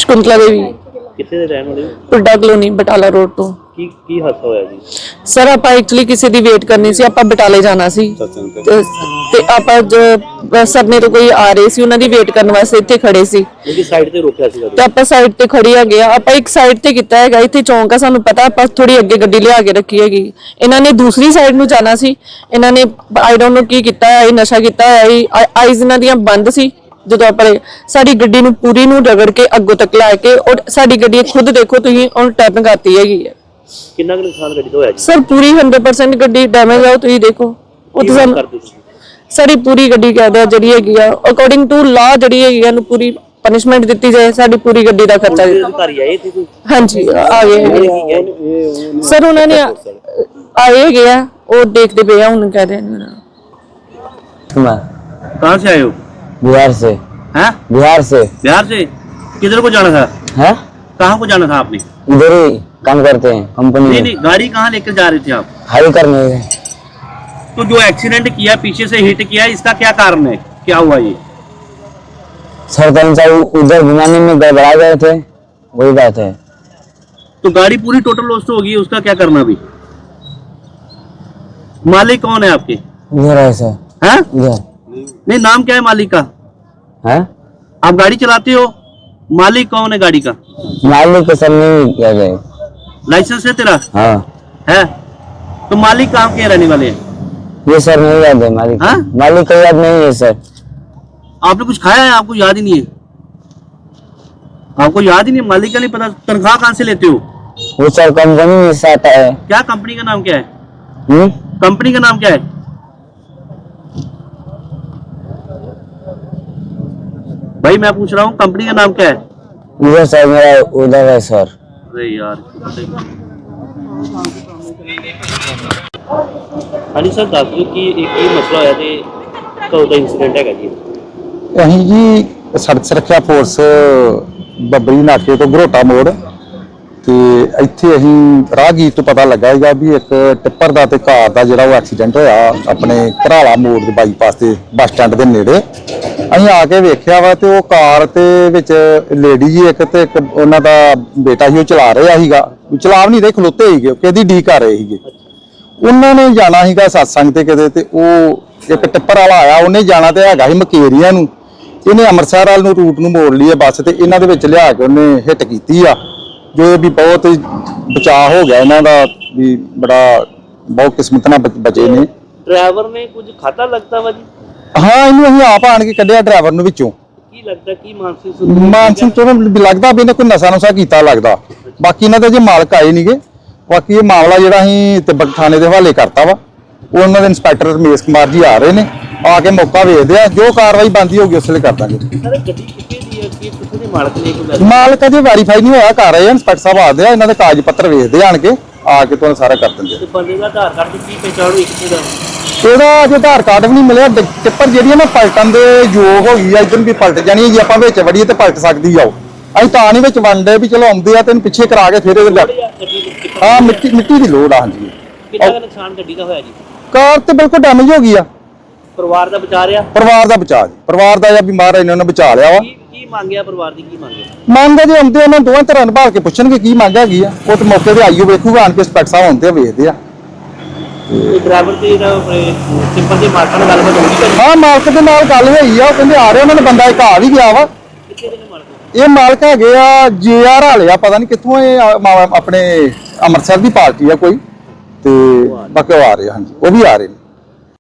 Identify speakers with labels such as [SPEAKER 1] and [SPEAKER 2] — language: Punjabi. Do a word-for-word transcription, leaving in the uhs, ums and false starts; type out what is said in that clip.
[SPEAKER 1] ਸ਼ਕੁੰਤਲਾ ਦੇਵੀ।
[SPEAKER 2] ਕਿੱਥੇ ਦੇ ਰਹਿਣ ਵਾਲੇ?
[SPEAKER 1] ਪੁੱਡਾ ਕਲੋਨੀ ਬਟਾਲਾ ਰੋਡ ਤੋਂ।
[SPEAKER 2] ਕੀ ਕੀ ਹਾਦਸਾ ਹੋਇਆ ਜੀ?
[SPEAKER 1] ਸਰ ਆਪਾਂ ਐਕਚੁਅਲੀ ਕਿਸੇ ਦੀ ਵੇਟ ਕਰਨੀ ਸੀ, ਆਪਾਂ ਬਟਾਲੇ ਜਾਣਾ ਸੀ ਤੇ ਤੇ ਆਪਾਂ ਸਰਨੇ ਤੋਂ ਕੋਈ ਆ ਰਹੇ ਸੀ, ਉਹਨਾਂ ਦੀ ਵੇਟ ਕਰਨ ਵਾਸਤੇ ਇੱਥੇ ਖੜੇ ਸੀ।
[SPEAKER 2] ਇਹਦੀ ਸਾਈਡ ਤੇ ਰੋਕਿਆ ਸੀ
[SPEAKER 1] ਤੇ ਆਪਾਂ ਸਾਈਡ ਤੇ ਖੜੀ ਆ ਗਿਆ, ਆਪਾਂ ਇੱਕ ਸਾਈਡ ਤੇ ਕੀਤਾ ਹੈਗਾ, ਇੱਥੇ ਚੌਂਕ ਆ ਸਾਨੂੰ ਪਤਾ, ਆਪਾਂ ਥੋੜੀ ਅੱਗੇ ਗੱਡੀ ਲਿਆ ਕੇ ਰੱਖੀ ਹੈਗੀ। ਇਹਨਾਂ ਨੇ ਦੂਸਰੀ ਸਾਈਡ ਨੂੰ ਜਾਣਾ ਸੀ, ਇਹਨਾਂ ਨੇ ਆਈ ਡੋਨਟ ਨੋ ਕੀ ਕੀਤਾ ਹੈ, ਨਸ਼ਾ ਕੀਤਾ ਹੈ, ਆਈਜ਼ ਇਹਨਾਂ ਦੀਆਂ ਬੰਦ ਸੀ। ਜਦੋਂ ਆਪਾਂ ਸਾਡੀ ਗੱਡੀ ਨੂੰ ਪੂਰੀ ਨੂੰ ਰਗੜ ਕੇ ਅੱਗੋਂ ਤੱਕ ਲਾ ਕੇ, ਔਰ ਸਾਡੀ ਗੱਡੀ ਖੁਦ ਦੇਖੋ ਤੁਸੀਂ ਉਹ ਟੈਪ ਕਰਤੀ ਹੈਗੀ ਹੈ।
[SPEAKER 2] ਕਿੰਨਾ ਕੁ ਨੁਕਸਾਨ ਗੱਡੀ ਦਾ ਹੋਇਆ ਜੀ?
[SPEAKER 1] ਸਰ ਪੂਰੀ ਸੌ ਪਰਸੈਂਟ ਗੱਡੀ ਡੈਮੇਜ ਆ, ਤੁਸੀਂ ਦੇਖੋ। ਉਹ ਤਾਂ ਸਾਨੂੰ ਸਾਡੀ ਪੂਰੀ ਗੱਡੀ ਕਹਿੰਦਾ ਜਿਹੜੀ ਹੈਗੀ ਆ ਅਕੋਰਡਿੰਗ ਟੂ ਲਾ ਜਿਹੜੀ ਹੈਗੀ ਇਹਨੂੰ ਪੂਰੀ ਪਨਿਸ਼ਮੈਂਟ ਦਿੱਤੀ ਜਾਏ, ਸਾਡੀ ਪੂਰੀ ਗੱਡੀ ਦਾ ਖਰਚਾ ਦਿੱਤਾ।
[SPEAKER 2] ਅਧਿਕਾਰੀ ਆਏ थे कोई?
[SPEAKER 1] ਹਾਂਜੀ ਆ ਗਏ ਸਰ, ਉਹਨਾਂ ਨੇ ਆਏ ਹੈਗੇ ਆ, ਉਹ ਦੇਖਦੇ ਪਏ ਆ, ਹੁਣ ਕਹਿ ਰਹੇ ਨੇ।
[SPEAKER 2] कहाँ से आए हो?
[SPEAKER 3] बिहार से।
[SPEAKER 2] हैं?
[SPEAKER 3] बिहार से।
[SPEAKER 2] बिहार से किधर को जाना था?
[SPEAKER 3] हैं?
[SPEAKER 2] कहाँ को जाना था आपने?
[SPEAKER 3] इधर ही काम करते हैं कंपनी में।
[SPEAKER 2] नहीं नहीं, गाड़ी कहाँ लेकर जा रहे थे आप?
[SPEAKER 3] हाई करने।
[SPEAKER 2] तो जो एक्सीडेंट किया, पीछे से हिट किया, इसका क्या कारण है, क्या हुआ ये?
[SPEAKER 3] सर साहब उधर घुमाने में गड़बड़ा गए थे, वही बात है।
[SPEAKER 2] तो गाड़ी पूरी टोटल लॉस हो गई, उसका क्या करना अभी? मालिक कौन है आपके?
[SPEAKER 3] इधर है सर।
[SPEAKER 2] हैं?
[SPEAKER 3] इधर
[SPEAKER 2] नहीं, नाम क्या है मालिक का?
[SPEAKER 3] है?
[SPEAKER 2] आप गाड़ी चलाते हो, मालिक कौन है गाड़ी का?
[SPEAKER 3] मालिक के सर नहीं किया जाए।
[SPEAKER 2] लाइसेंस है तेरा?
[SPEAKER 3] हाँ
[SPEAKER 2] है। तो मालिक कहाँ के रहने वाले हैं?
[SPEAKER 3] ये सर नहीं याद है मालिक।
[SPEAKER 2] हाँ?
[SPEAKER 3] मालिक का याद नहीं है सर।
[SPEAKER 2] आपने कुछ खाया है, आपको याद ही नहीं है? आपको याद ही नहीं, मालिक का नहीं पता? तनख्वाह कहाँ से लेते हो?
[SPEAKER 3] वो सर कंपनी में से आता है।
[SPEAKER 2] क्या कंपनी का नाम क्या है?
[SPEAKER 3] हम्म?
[SPEAKER 2] कंपनी का नाम क्या है? भाई मैं पूछ रहा हूँ, कंपनी का नाम क्या है?
[SPEAKER 3] उधर सर मेरा उधर है सर।
[SPEAKER 2] अरे यार हाँ सर, दस दो कि एक ही मसला होया ते कदों दा इंसीडेंट है जी?
[SPEAKER 4] ਅਸੀਂ ਜੀ ਸੜਕ ਸੁਰੱਖਿਆ ਫੋਰਸ ਬੱਬਰੀ ਨਾਕੇ ਤੋਂ ਘਰੋਟਾ ਮੋੜ ਤੇ ਇੱਥੇ ਅਸੀਂ ਰਾਹਗੀਰ ਤੋਂ ਪਤਾ ਲੱਗਾ ਹੈਗਾ ਵੀ ਇੱਕ ਟਿੱਪਰ ਦਾ ਤੇ ਕਾਰ ਦਾ ਜਿਹੜਾ ਉਹ ਐਕਸੀਡੈਂਟ ਹੋਇਆ ਆਪਣੇ ਘਰਾਲਾ ਮੋੜ ਦੇ ਬਾਈਪਾਸ ਤੇ ਬੱਸ ਸਟੈਂਡ ਦੇ ਨੇੜੇ। ਅਸੀਂ ਆ ਕੇ ਵੇਖਿਆ ਵਾ ਤੇ ਉਹ ਕਾਰ ਤੇ ਵਿੱਚ ਲੇਡੀ ਜੀ ਇੱਕ ਤੇ ਇੱਕ ਉਹਨਾਂ ਦਾ ਬੇਟਾ ਸੀ, ਉਹ ਚਲਾ ਰਿਹਾ ਸੀਗਾ, ਚਲਾ ਨਹੀਂ ਰਹੇ, ਖਲੋਤੇ ਸੀਗੇ, ਕਿਹਦੀ ਡੀ ਕਰ ਰਹੇ ਸੀਗੇ। ਉਹਨਾਂ ਨੇ ਜਾਣਾ ਸੀਗਾ ਸਤਸੰਗ ਤੇ ਕਿਤੇ, ਤੇ ਉਹ ਇੱਕ ਟਿੱਪਰ ਵਾਲਾ ਆਇਆ, ਉਹਨੇ ਜਾਣਾ ਤੇ ਹੈਗਾ ਸੀ ਮਕੇਰੀਆਂ ਨੂੰ, ਇਹਨੇ ਅੰਮ੍ਰਿਤਸਰ ਵਾਲ ਨੂੰ ਰੂਟ ਨੂੰ ਮੋੜ ਲਈ ਬੱਸ ਤੇ ਇਹਨਾਂ ਦੇ ਵਿੱਚ ਲਿਆ ਕੇ ਉਹਨੇ ਹਿੱਟ ਕੀਤੀ ਆ, ਜੋ ਵੀ ਬਹੁਤ ਬਚਾਅ ਹੋ ਗਿਆ ਇਹਨਾਂ ਦਾ, ਵੀ ਬੜਾ ਬਹੁਤ ਕਿਸਮਤ ਨਾਲ ਬਚੇ ਨੇ।
[SPEAKER 2] ਡਰਾਈਵਰ ਨੇ ਕੁਝ ਖਾਤਾ ਲੱਗਦਾ ਵਾ ਜੀ?
[SPEAKER 4] ਹਾਂ, ਇਹਨੂੰ ਅਸੀਂ ਆਪ ਆਣ ਕੇ ਕੱਢਿਆ ਡਰਾਈਵਰ ਨੂੰ ਵਿੱਚੋਂ।
[SPEAKER 2] ਕੀ ਲੱਗਦਾ, ਕੀ ਮਾਨਸਿਕ
[SPEAKER 4] ਮਾਨਸਿਕ ਤੋਂ ਲੱਗਦਾ ਵੀ ਇਹਨੇ ਕੋਈ ਨਸ਼ਾ ਨੁਸ਼ਾ ਕੀਤਾ ਲੱਗਦਾ। ਬਾਕੀ ਇਹਨਾਂ ਦੇ ਜੇ ਮਾਲਕ ਆਏ ਨਹੀਂਗੇ, ਬਾਕੀ ਇਹ ਮਾਮਲਾ ਜਿਹੜਾ ਅਸੀਂ ਤਿੱਬਤ ਥਾਣੇ ਦੇ ਹਵਾਲੇ ਕਰਤਾ ਵਾ। ਉਹਨਾਂ ਦੇ ਇੰਸਪੈਕਟਰ ਰਮੇਸ਼ ਕੁਮਾਰ ਜੀ ਆ ਰਹੇ ਨੇ, ਆ ਕੇ ਮੌਕਾ ਵੇਖਦੇ ਆ, ਜੋ ਕਾਰਵਾਈ ਬਣਦੀ ਹੋਊਗੀ ਉਸ ਵੇਲੇ ਕਰ ਦਾਂਗੇ।
[SPEAKER 2] ਸਰ ਗੱਡੀ ਕਿੱਥੇ ਦੀ ਹੈ, ਕਿ ਕਿੱਥੇ ਦੇ ਮਾਲਕ ਨੇ? ਕੋਈ
[SPEAKER 4] ਮਾਲਕ ਅਜੇ ਵੈਰੀਫਾਈ ਨਹੀਂ ਹੋਇਆ, ਕਰ ਰਹੇ ਆ ਇੰਸਪੈਕਟਰ ਸਾਹਿਬ, ਆਦੇ ਆ, ਇਹਨਾਂ ਦੇ ਕਾਗਜ਼ ਪੱਤਰ ਵੇਖਦੇ ਆਣ ਕੇ, ਆ ਕੇ ਤੁਹਾਨੂੰ ਸਾਰਾ ਕਰ ਦਿੰਦੇ।
[SPEAKER 2] ਤੇ ਬੰਦੇ ਦਾ ਆਧਾਰ ਕਾਰਡ ਕੀ ਪਹਿਚਾਣ ਹੋਈ ਕਿੱਥੇ ਦਾ?
[SPEAKER 4] ਇਹਦਾ ਅਜੇ ਆਧਾਰ ਕਾਰਡ ਵੀ ਨਹੀਂ ਮਿਲਿਆ। ਟਿੱਪਰ ਜਿਹੜੀ ਹੈ ਨਾ ਪਲਟਣ ਦੇ ਯੋਗ ਹੋ ਗਈ ਆ, ਇੱਧਰ ਵੀ ਪਲਟ ਜਾਣੀ ਹੈ ਜੀ, ਆਪਾਂ ਵਿੱਚ ਵੜੀਏ ਤੇ ਪਲਟ ਸਕਦੀ ਆ। ਉਹ ਅਸੀਂ ਤਾਂ ਨਹੀਂ ਵਿੱਚ ਵੰਡੇ ਵੀ ਚਲੋ ਆਉਂਦੇ ਆ ਤੈਨੂੰ ਪਿੱਛੇ ਕਰਾ ਕੇ ਫਿਰ ਇਹਦੇ ਹਾਂ ਮਿੱਟੀ ਮਿੱਟੀ ਦੀ ਲੋੜ ਆ। ਹਾਂਜੀ,
[SPEAKER 2] ਕਿੰਨਾ ਕੁ ਨੁਕਸਾਨ ਗੱਡੀ ਦਾ ਹੋਇਆ ਜੀ?
[SPEAKER 4] ਕਾਰ ਤੇ ਬਿਲਕੁਲ ਡੈਮੇਜ ਹੋ ਗਈ ਆ।
[SPEAKER 2] ਪਰਿਵਾਰ ਦਾ ਬਚਾ ਰਿਹਾ?
[SPEAKER 4] ਪਰਿਵਾਰ ਦਾ ਬਚਾ ਜੀ, ਪਰਿਵਾਰ ਦਾ ਜਾਂ ਬਿਮਾਰ ਇਹਨਾਂ ਨੇ ਬਚਾ ਲਿਆ ਵਾ।
[SPEAKER 2] ਕੀ ਕੀ ਮੰਗਿਆ ਪਰਿਵਾਰ ਦੀ, ਕੀ ਮੰਗਿਆ?
[SPEAKER 4] ਮੰਗ ਜੇ ਆਉਂਦੇ ਉਹਨਾਂ ਦੋਵਾਂ ਤਰ੍ਹਾਂ ਨਿਭਾਲ ਕੇ ਪੁੱਛਣਗੇ ਕੀ ਮੰਗ ਹੈਗੀ ਆ, ਉਹ ਤੇ ਮੌਕੇ ਤੇ ਆਈਓ ਵੇਖੂਗਾ ਆਣ ਕੇ, ਇੰਸਪੈਕਟਰ ਸਾਹਿਬ ਆਉਂਦੇ ਆ ਵੇਖਦੇ ਆ।
[SPEAKER 2] ਤੇ ਡਰਾਈਵਰ ਤੇ ਸਿੰਪਲ ਦੇ ਮਾਲਕਾਂ ਨਾਲ ਗੱਲਬਾਤ ਹੋਈ?
[SPEAKER 4] ਹਾਂ, ਮਾਲਕ ਦੇ ਨਾਲ ਗੱਲ ਹੋਈ ਆ, ਉਹ ਕਹਿੰਦੇ ਆ ਰਹੇ, ਉਹਨਾਂ ਨੇ ਬੰਦਾ ਇੱਕ ਆ ਵੀ ਗਿਆ ਵਾ।
[SPEAKER 2] ਕਿੱਥੇ ਦੇ ਨੇ ਮਾਲਕ?
[SPEAKER 4] ਇਹ ਮਾਲਕ ਹੈਗੇ ਆ ਜੇ ਆਰ ਵਾਲੇ ਆ, ਪਤਾ ਨਹੀਂ ਕਿੱਥੋਂ, ਇਹ ਆਪਣੇ ਅੰਮ੍ਰਿਤਸਰ ਦੀ ਪਾਰਟੀ ਆ ਕੋਈ, ਤੇ ਬਾਕੀ ਉਹ ਆ ਰਹੇ। ਹਾਂਜੀ, ਉਹ ਵੀ ਆ ਰਹੇ ਨੇ।